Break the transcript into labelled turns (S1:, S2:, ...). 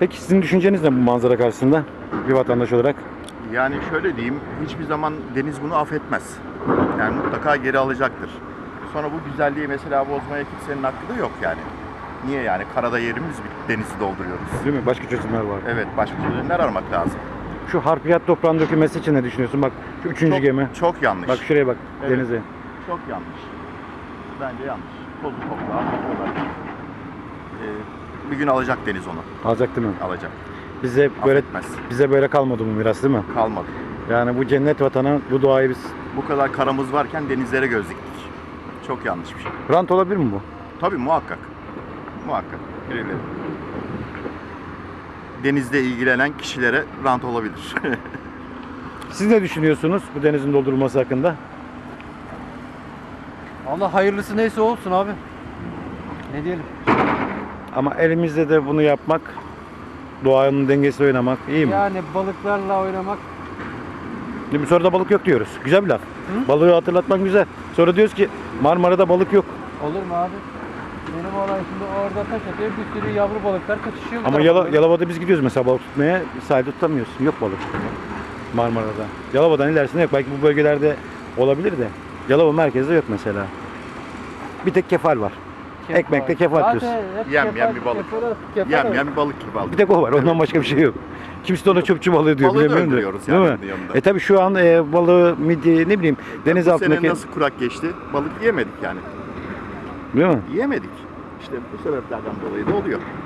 S1: Peki sizin düşünceniz ne bu manzara karşısında bir vatandaş olarak?
S2: Yani şöyle diyeyim, hiçbir zaman deniz bunu affetmez. Yani mutlaka geri alacaktır. Sonra bu güzelliği mesela bozmaya kimsenin hakkı da yok yani. Niye yani? Karada yerimiz bir denizi dolduruyoruz.
S1: Değil mi? Başka çözümler var.
S2: Evet, başka çözümler aramak lazım.
S1: Şu harfiyat toprağın dökülmesi için ne düşünüyorsun? Bak şu üçüncü gemi.
S2: Çok yanlış.
S1: Bak şuraya bak,
S2: Evet.
S1: denize.
S2: Çok yanlış. Bence yanlış. Tozu toprağı atıyorlar. Bir gün alacak deniz onu.
S1: Alacak değil mi?
S2: Alacak.
S1: Affetmez. Bize böyle kalmadı bu miras değil mi?
S2: Kalmadı.
S1: Yani bu cennet vatanı, bu doğayı biz...
S2: Bu kadar karamız varken denizlere göz diktik. Çok yanlış bir şey.
S1: Rant olabilir mi bu?
S2: Tabii muhakkak. Muhakkak. Birileri. Denizle ilgilenen kişilere rant olabilir.
S1: Siz ne düşünüyorsunuz bu denizin doldurulması hakkında?
S3: Allah hayırlısı neyse olsun abi. Ne diyelim?
S1: Ama elimizde de bunu yapmak, doğanın dengesiyle oynamak iyi mi?
S3: Yani balıklarla oynamak.
S1: Şimdi sonra da balık yok diyoruz. Güzel bir laf. Balığı hatırlatmak güzel. Sonra diyoruz ki Marmara'da balık yok.
S3: Olur mu abi? Benim olay şimdi orada taş atıyor, bir sürü yavru balıklar kaçışıyor. bu
S1: Ama
S3: tarafa doğru.
S1: Yalova'da biz gidiyoruz mesela balık tutmaya, sahilde tutamıyorsun. Yok balık Marmara'da. Yalova'dan ilerisinde yok. Belki bu bölgelerde olabilir de. Yalova merkezde yok mesela. Bir tek kefal var.
S3: Kefal.
S1: Ekmekte kefal
S3: Zaten
S1: diyorsun.
S3: hep
S2: Yem bir balık. Yem bir balık gibi aldık.
S1: Bir tek o var. Ondan başka bir şey yok. Kimse de ona çöpçü balığı diyor.
S2: Balığı da
S1: bilemiyorum da.
S2: öldürüyoruz
S1: Değil
S2: yani
S1: mi?
S2: yanında.
S1: Tabii şu an balığı, midye, ne bileyim deniz
S2: Bu
S1: altındaki...
S2: sene nasıl kurak geçti? Balık yiyemedik yani.
S1: Değil mi?
S2: Yiyemedik. İşte bu sebeplerden dolayı da oluyor.